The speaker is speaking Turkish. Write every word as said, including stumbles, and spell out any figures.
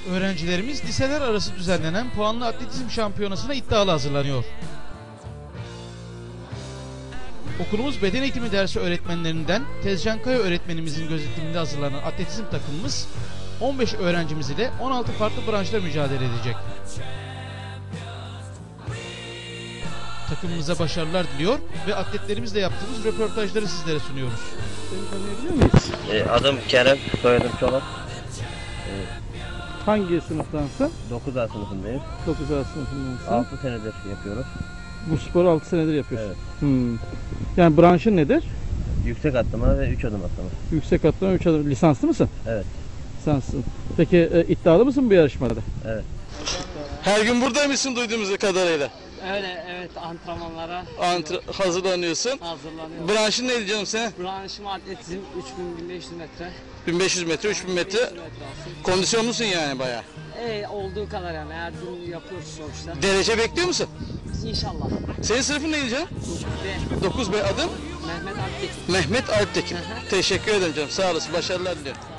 Öğrencilerimiz liseler arası düzenlenen puanlı atletizm şampiyonasına iddialı hazırlanıyor. Okulumuz beden eğitimi dersi öğretmenlerinden Tezcan Kaya öğretmenimizin gözetiminde hazırlanan atletizm takımımız on beş öğrencimiz ile on altı farklı branşta mücadele edecek. Takımımıza başarılar diliyor ve atletlerimizle yaptığımız röportajları sizlere sunuyoruz. Seni tanıyabiliyor muyuz? E, adım Kerem, soyadım Çolak. E, Hangi sınıftansın? dokuz A sınıfındayım. dokuz A sınıfındansın. altı senedir yapıyoruz. Bu sporu altı senedir yapıyorsun. Evet. Hmm. Yani branşın nedir? Yüksek atlama ve üç adım atlama. Yüksek atlama üç adım. Lisanslı mısın? Evet. Lisanslısın. Peki e, iddialı mısın bu yarışmada? Evet. Her gün buradaymışsın duyduğumuz kadarıyla. Öyle, evet, antrenmanlara Antre hazırlanıyorsun. hazırlanıyorum. Branşın neydi canım senin? Branşım atletizm üç bin bin beş yüz metre. bin beş yüz metre, üç bin metre. beş yüz metre olsun. Kondisyonlusun yani bayağı. E, olduğu kadar yani her gün yapıyoruz sonuçta. Derece bekliyor musun? İnşallah. Senin sınıfın neydi canım? Ve dokuz B adım? Mehmet Aktekin. Mehmet Alptekin. Hı hı. Teşekkür ederim canım. Sağ olasın. Başarılar diliyorum.